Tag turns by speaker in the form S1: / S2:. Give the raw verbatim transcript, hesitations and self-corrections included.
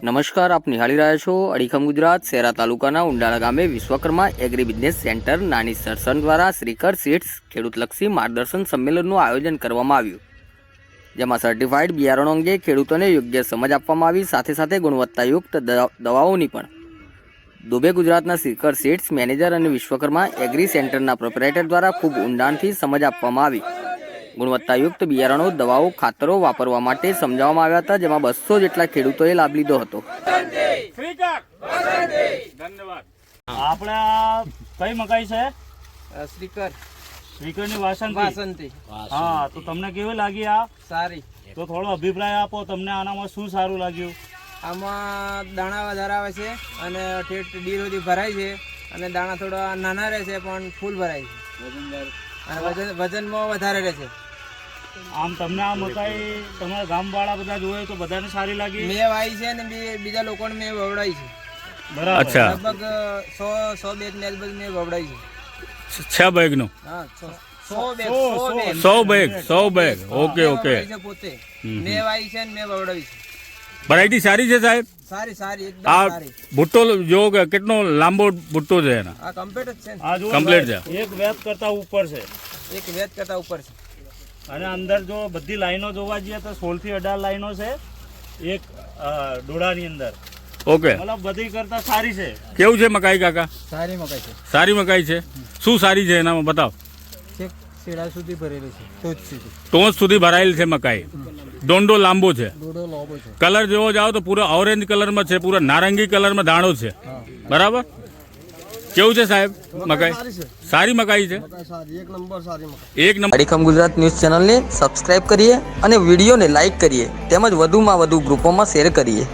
S1: નમસ્કાર, આપ નિહાળી રહ્યા છો અડીખમ ગુજરાત. શહેરા તાલુકાના ઉંડાળા ગામે વિશ્વકર્મા એગ્રી બિઝનેસ સેન્ટર નાની સરસન દ્વારા શ્રીકર સીડ્સ ખેડૂતલક્ષી માર્ગદર્શન સંમેલનનું આયોજન કરવામાં આવ્યું, જેમાં સર્ટિફાઈડ બિયારણો અંગે ખેડૂતોને યોગ્ય સમજ આપવામાં આવી. સાથે સાથે ગુણવત્તાયુક્ત દવાઓની પણ દુબે ગુજરાતના શ્રીકર સીડ્સ મેનેજર અને વિશ્વકર્મા એગ્રી સેન્ટરના પ્રોપરેટર દ્વારા ખૂબ ઊંડાણથી સમજ આપવામાં આવી. ગુણવત્તાયુક્ત બિયારણો, દવાઓ, ખાતરો વાપરવા માટે સમજાવવામાં આવ્યા હતા, જેમાં બસો જેટલા ખેડૂતોએ લાભ લીધો હતો.
S2: આપણે કઈ મકાઈ છે?
S3: શ્રીકર
S2: શ્રીકરની વાસંતી.
S3: વાસંતી.
S2: હા, તો તમને કેવી લાગી આ?
S3: સારી.
S2: તો થોડો અભિપ્રાય આપો, તમને આનામાં શું સારું લાગ્યું?
S3: આમાં દાણા વધારે આવે છે અને ઠેઠ ડી સુધી ભરાય છે અને દાણા થોડા નાના રહે છે પણ ફૂલ ભરાય છે અને વજન વજનમાં વધારે રહે છે.
S2: આમ તમને આ મકાઈ તમારા ગામવાળા બધા જોયે તો બધાને સારી લાગી?
S3: મેં વાવી છે અને બી- બીજા લોકોને મેં વવડાવી છે.
S2: બરાબર.
S3: લગભગ સો સો બેગ ને આજુબાજુ મેં વવડાવી છે.
S4: છ બેગ નું
S3: હા, સો- સો બેગ
S2: સો-
S3: સો
S2: સો.
S3: બેગ
S4: સો બેગ સો બેગ ઓકે
S3: મેં
S4: ઓકે
S3: વવડાવી છે પોતે. મેં વાવી છે અને મેં વવડાવી છે.
S4: વેરાયટી સારી છે સાહેબ.
S3: સારી સારી એકદમ
S4: આ
S3: સારી.
S4: ભુટ્ટો જો કે કેટલો લાંબો ભુટ્ટો છે એના?
S3: આ કમ્પ્લીટ જ છે ને.
S2: આ જો
S4: Complete છે.
S2: એક વેત કરતા ઉપર છે
S3: એક વેચ કરતા ઉપર છે.
S2: અને અંદર જો બધી લાઈનો જોવા જઈએ તો સોળ થી અઢાર લાઈનો છે એક અ, ડોળાની અંદર.
S4: ઓકે,
S2: મતલબ બધી કરતા સારી છે.
S4: કેવું છે મકાઈ કાકા?
S3: સારી મકાઈ છે.
S4: સારી મકાઈ છે. શું સારી છે એનામાં બતાવ.
S3: છેક શેડા સુધી ભરેલી છે, ટોચ સુધી.
S4: ટોચ સુધી ભરાયેલ છે મકાઈ. દોંડો લાંબો છે.
S3: દોડો લાંબો છે.
S4: કલર જોવો જાઓ તો પૂરો ઓરેન્જ કલરમાં છે, પૂરો નારંગી કલરમાં દાણો છે. બરાબર. કેવું છે સાહેબ મકાઈ? સારી મકાઈ છે.
S3: એક નંબર સારી મકાઈ.
S4: એક નંબર.
S1: અડીખમ ગુજરાત ન્યૂઝ ચેનલને સબસ્ક્રાઇબ કરીએ અને વિડીયોને લાઇક કરીએ, તેમજ વધુમાં વધુ ગ્રુપોમાં શેર કરીએ.